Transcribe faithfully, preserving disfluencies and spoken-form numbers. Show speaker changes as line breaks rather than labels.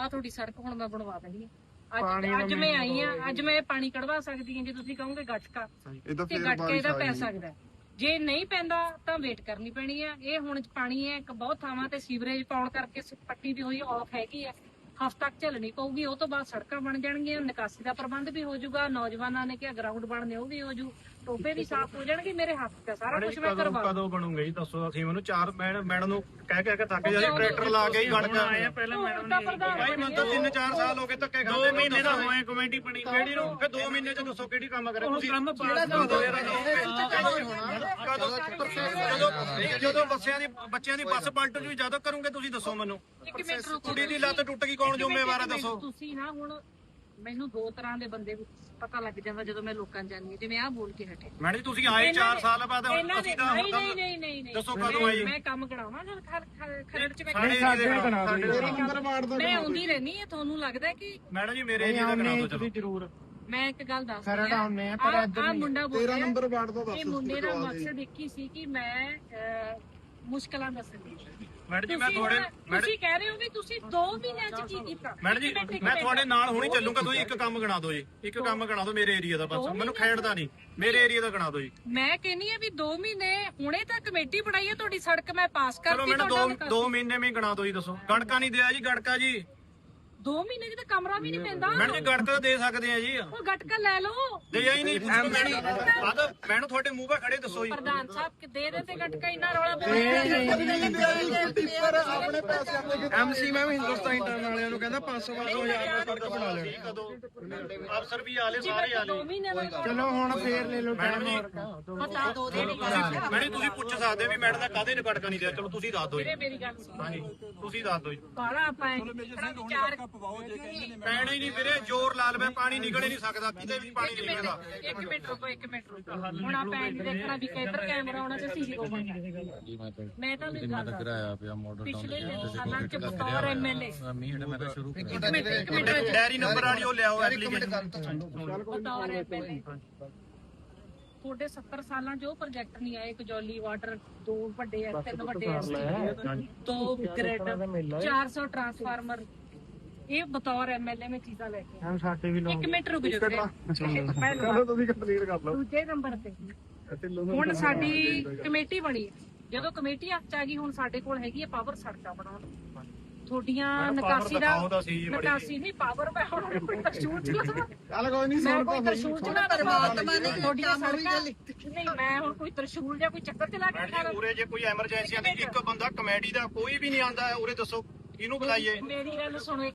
ਆ ਤੁਹਾਡੀ ਸੜਕ ਹੁਣ ਮੈਂ ਬਣਵਾ ਦੇਣੀ ਹੈ। ਅੱਜ ਅੱਜ ਮੈਂ ਆਈ ਆ, ਅੱਜ ਮੈਂ ਪਾਣੀ ਕਢਵਾ ਸਕਦੀ ਹਾਂ ਜੇ ਤੁਸੀਂ ਕਹੋਗੇ ਗਟਕਾ ਤੇ ਗਟਕੇ ਇਹਦਾ ਪੈ ਸਕਦਾ। ਜੇ ਨਹੀਂ ਪੈਂਦਾ ਤਾਂ ਵੇਟ ਕਰਨੀ ਪੈਣੀ ਆ। ਇਹ ਹੁਣ ਪਾਣੀ ਹੈ ਇੱਕ ਬਹੁਤ ਥਾਵਾਂ ਤੇ ਸੀਵਰੇਜ ਪਾਉਣ ਕਰਕੇ ਪੱਟੀ ਦੀ ਹੋਈ ਆਫ ਹੈਗੀ ਆ, ਹਫ਼ਤਾ ਤੱਕ ਝੱਲਣੀ ਪਊਗੀ। ਉਹ ਤੋਂ ਬਾਅਦ ਸੜਕਾਂ ਬਣ ਜਾਣਗੀਆਂ, ਨਿਕਾਸੀ ਦਾ ਪ੍ਰਬੰਧ ਵੀ ਹੋ ਜਾਊਗਾ। ਨੌਜਵਾਨਾਂ ਨੇ ਕਿਹਾ ਗਰਾਊਂਡ ਬਣਨੇ ਉਹ ਵੀ ਹੋ ਜੂ, ਟੋਪੇ ਵੀ ਸਾਫ਼ ਹੋ ਜਾਣਗੇ। ਮੇਰੇ ਹੱਥ ਤੇ ਸਾਰਾ ਕੁਝ ਮੈਂ ਕਰਵਾ।
ਕਦੋਂ ਬਣੂਗਾ ਜੀ ਦੱਸੋ? ਅਸੀਂ ਮੈਨੂੰ ਚਾਰ ਮੈਡਮ ਨੂੰ ਕਹਿ ਕਹਿ ਕੇ ਥੱਕ ਜਾ ਟਰੈਕਟਰ ਲਾ ਕੇ ਹੀ ਗੜ ਕੇ ਆਏ ਆ। ਪਹਿਲਾਂ ਮੈਡਮ ਨੇ ਭਾਈ ਮੈਨੂੰ ਤਾਂ ਤਿੰਨ ਚਾਰ ਸਾਲ ਹੋ ਗਏ ਧੱਕੇ ਖਾਂਦੇ। ਦੋ ਮਹੀਨੇ ਦਾ ਹੋਏ ਕਮੇਟੀ ਬਣੀ ਕਿਹੜੀ ਨੂੰ? ਫਿਰ ਦੋ ਮਹੀਨੇ ਚ ਦੱਸੋ ਕਿਹੜੀ ਕੰਮ ਕਰੇ ਤੁਸੀਂ? ਕੰਮ ਜਦੋਂ ਜਦੋਂ ਬੱਸਿਆਂ ਦੀ ਬੱਚਿਆਂ ਦੀ ਬੱਸ ਪਲਟ ਜੂ ਜਦੋਂ ਕਰੋਗੇ ਤੁਸੀਂ ਦੱਸੋ ਮੈਨੂੰ? ਕੁੜੀ ਦੀ ਲੱਤ ਟੁੱਟ ਗਈ ਕੌਣ ਜ਼ਿੰਮੇਵਾਰ ਹੈ ਦੱਸੋ?
ਤੁਸੀਂ ਨਾ ਹੁਣ ਮੈਨੂੰ ਦੋ ਤਰ੍ਹਾਂ ਦੇ ਬੰਦੇ ਪਤਾ ਲੱਗ ਜਾਂਦਾ ਜਦੋਂ ਮੈਂ ਲੋਕਾਂ ਜਾਣੀ ਜਿਵੇਂ ਆਹ ਬੋਲ ਕੇ ਹਟੇ।
ਮੈਡਮ ਜੀ ਤੁਸੀਂ ਆਏ ਚਾਰ ਸਾਲ ਬਾਅਦ ਅਸੀਂ ਤਾਂ
ਨਹੀਂ ਨਹੀਂ ਨਹੀਂ ਨਹੀਂ
ਦੱਸੋ ਕਦੋਂ ਆਈ?
ਮੈਂ ਕੰਮ ਕਰਾਵਾਂ ਖਰੜ ਚ ਮੈਂ ਮੈਂ ਆਉਂਦੀ ਰਹਿਣੀ ਹੈ। ਤੁਹਾਨੂੰ ਲੱਗਦਾ ਕਿ
ਮੈਡਮ ਜੀ ਮੇਰੇ ਏਰੀਆ ਦਾ ਕਰਾ ਦਿਓ ਚਲੋ
ਜ਼ਰੂਰ।
ਮੈਂ ਇੱਕ ਗੱਲ ਦੱਸ
ਖਰੜ ਆਉਨੇ ਆ ਪਰ ਇੱਧਰ
ਨਹੀਂ। ਮੁੰਡਾ ਬੋਲਿਆ
ਤੇਰਾਂ ਨੰਬਰ ਵਾਰਡ ਦਾ ਦੱਸ।
ਇਹ ਮੁੰਡੇ ਦਾ ਮਕਸਦ ਇੱਕ ਹੀ ਸੀ ਕਿ ਮੈਂ ਮੁਸ਼ਕਲਾਂ ਦੱਸਣੀ।
ਮੈਡਮ ਜੀ ਮੈਂ ਤੁਹਾਡੇ
ਤੁਸੀਂ ਕਹਿ ਰਹੇ ਹੋ ਵੀ ਤੁਸੀਂ ਦੋ ਮਹੀਨਿਆਂ ਚ ਕੀ ਕੀਤਾ?
ਮੈਡਮ ਜੀ ਮੈਂ ਤੁਹਾਡੇ ਨਾਲ ਹੁਣੀ ਚੱਲੂਗਾ। ਤੁਸੀਂ ਇੱਕ ਕੰਮ ਗਣਾ ਦਿਓ ਜੀ, ਇੱਕ ਕੰਮ ਗਣਾ ਦਿਓ ਮੇਰੇ ਏਰੀਆ ਦਾ ਬਸ। ਮੈਨੂੰ ਖੇਡਦਾ ਨਹੀਂ, ਮੇਰੇ ਏਰੀਆ ਦਾ ਗਣਾ ਦਿਓ ਜੀ।
ਮੈਂ ਕਹਿੰਨੀ ਆ ਵੀ ਦੋ ਮਹੀਨੇ ਹੁਣੇ ਤਾਂ ਕਮੇਟੀ ਬਣਾਈ ਹੈ ਤੁਹਾਡੀ ਸੜਕ ਮੈਂ ਪਾਸ ਕਰਤੀ।
ਚਲੋ ਮੈਨੂੰ ਦੋ ਦੋ ਮਹੀਨੇ ਵਿੱਚ ਗਣਾ ਦਿਓ ਜੀ। ਦੱਸੋ ਗੜਕਾ ਨਹੀਂ ਦਿਆ ਜੀ? ਗੜਕਾ ਜੀ
ਦੋ ਮਹੀਨੇ ਚ ਤਾਂ ਕਮਰਾ ਵੀ ਨਹੀਂ ਪੈਂਦਾ।
ਮੈਡਮ ਜੀ ਗੜਕਾ ਦੇ ਸਕਦੇ ਆ ਜੀ।
ਉਹ ਗਟਕਾ ਲੈ ਲਓ।
ਦੇ ਹੀ ਨਹੀਂ ਮੈਨੂੰ ਤੁਹਾਡੇ ਮੂੰਹ 'ਤੇ ਖੜੇ ਦੱਸੋ ਜੀ।
ਪ੍ਰਧਾਨ ਸਾਹਿਬ ਕਿ ਦੇ ਦੇ ਤੇ ਗਟਕਾ ਇੰਨਾ ਰੌਲਾ
ਆਪਣੇ ਪੈਸੇ
ਐਮਸੀ ਮੈਂ ਵੀ ਹਿੰਦੁਸਤਾਨ ਟਾਈਮ ਵਾਲਿਆਂ ਨੂੰ ਕਹਿੰਦਾ ਪੰਜ ਸੌ ਪੰਜ ਸੌ ਹਜ਼ਾਰ ਦਾ ਸੜਕ ਬਣਾ ਲੈਣ।
ਕਦੋਂ ਅਫਸਰ ਵੀ ਆਲੇ ਸਾਰੇ ਆਲੇ।
ਦੋ ਮਹੀਨੇ ਦਾ
ਚਲੋ ਹੁਣ ਫੇਰ ਲੈ ਲਓ
ਮੈਡਮ ਜੀ
ਪਤਾ ਦੋ ਦੇ
ਮੈਡਮ ਤੁਸੀਂ ਪੁੱਛ ਸਕਦੇ ਵੀ ਮੈਡਮ ਦਾ ਕਾਹਦੇ ਨੇ ਗੜਕਾ ਨਹੀਂ ਦਿਆ? ਚਲੋ ਤੁਸੀਂ ਦੱਸ ਦਿਓ ਜੀ।
ਮੇਰੀ ਗੱਲ ਸੁਣ।
ਹਾਂਜੀ ਤੁਸੀਂ ਦੱਸ ਦਿਓ ਜੀ।
ਬਾਲਾ ਆਪਾਂ ਚਾਰ
ਪੈਣਾ ਹੀ ਨਹੀਂ ਵੀਰੇ, ਜ਼ੋਰ ਲਾ ਲਵੇ ਪਾਣੀ ਨਿਕਲ ਹੀ ਨਹੀਂ ਸਕਦਾ, ਕਿਤੇ ਵੀ ਪਾਣੀ ਨਹੀਂ ਨਿਕਲਦਾ।
ਇੱਕ ਮਿੰਟ ਰੁਕੋ, ਇੱਕ ਮਿੰਟ ਰੁਕੋ। ਹੁਣ ਆਪਾਂ ਇਹ ਦੇਖਣਾ ਵੀ ਕਿੱਧਰ ਕੈਮਰਾ ਆਉਣਾ ਤੇ ਸੀਸੀ ਹੋਵਾਂਗਾ। ਮੈਂ ਤਾਂ ਨਹੀਂ ਗੱਲ
ਕਰਾਇਆ ਪਿਆ ਮਾਡਲ
ਪਿਛਲੇ ਸਾਲਾਂ ਚ ਬਤੌਰ ਐਮਐਲਏ
ਮੀਂਹ ਮੈਂ ਤਾਂ ਸ਼ੁਰੂ
ਇੱਕ ਮਿੰਟ ਇੱਕ ਮਿੰਟ
ਡੈਰੀ ਨੰਬਰ ਵਾਲੀ ਉਹ ਲਿਆਓ ਐਪਲੀਕੇਸ਼ਨ।
ਬਤੌਰ ਐਮਐਲਏ ਤੁਹਾਡੇ ਸੱਤਰ ਸਾਲਾਂ ਚ ਉਹ ਪ੍ਰੋਜੈਕਟ ਨਹੀਂ ਆਏ। ਕਜੌਲੀ ਵਾਟਰ ਦੋ ਵੱਡੇ ਐ, ਤਿੰਨ ਵੱਡੇ ਐ, ਦੋ ਗ੍ਰਿਡ, ਚਾਰ ਸੌ ਟਰਾਂਸਫਾਰਮਰ। ਇਹ ਬਤੌਰ ਐਮਐਲਏ ਮੈਂ ਚੀਜ਼ਾਂ ਲੈ ਕੇ
ਹਮ ਸਾਡੇ ਵੀ
ਇੱਕ ਮਿੰਟ ਰੁਕ ਜਾਓ।
ਚਲੋ ਤੁਸੀਂ ਕੰਪਲੀਟ ਕਰ ਲਓ।
ਦੂਜੇ ਨੰਬਰ ਤੇ ਹੁਣ ਸਾਡੀ ਕਮੇਟੀ ਬਣੀ ਹੈ। ਜਦੋਂ ਕਮੇਟੀ ਹੱਥ ਚ ਆ ਗਈ ਹੁਣ ਸਾਡੇ ਕੋਲ ਹੈਗੀ ਹੈ ਪਾਵਰ ਸੜਕਾਂ ਬਣਾਉਣ। ਤੁਹਾਡੀਆਂ ਨਿਕਾਸੀ ਦਾ ਨਿਕਾਸੀ ਨਹੀਂ ਪਾਵਰ ਮੈਂ ਹੁਣ ਕੋਈ ਤਰਸ਼ੂਲ ਚਲਾਵਾਂ?
ਚੱਲ ਕੋਈ ਨਹੀਂ
ਮੈਂ ਕੋਈ ਤਰਸ਼ੂਲ ਚਲਾ ਪਰਮਾਤਮਾ ਨੇ ਤੁਹਾਡੀਆਂ ਸੜਕਾਂ ਨਹੀਂ ਮੈਂ ਹੁਣ ਕੋਈ ਤਰਸ਼ੂਲ ਜਾਂ ਕੋਈ ਚੱਕਰ ਚਲਾ ਕੇ ਖਾ
ਉਰੇ ਜੇ ਕੋਈ ਐਮਰਜੈਂਸੀ ਆਂਦੀ ਇੱਕ ਬੰਦਾ ਕਮੇਟੀ ਦਾ ਕੋਈ ਵੀ ਨਹੀਂ ਆਂਦਾ ਉਰੇ ਦੱਸੋ ਇਹਨੂੰ ਬੁਲਾਈਏ।
ਮੇਰੀ ਗੱਲ ਸੁਣੋ।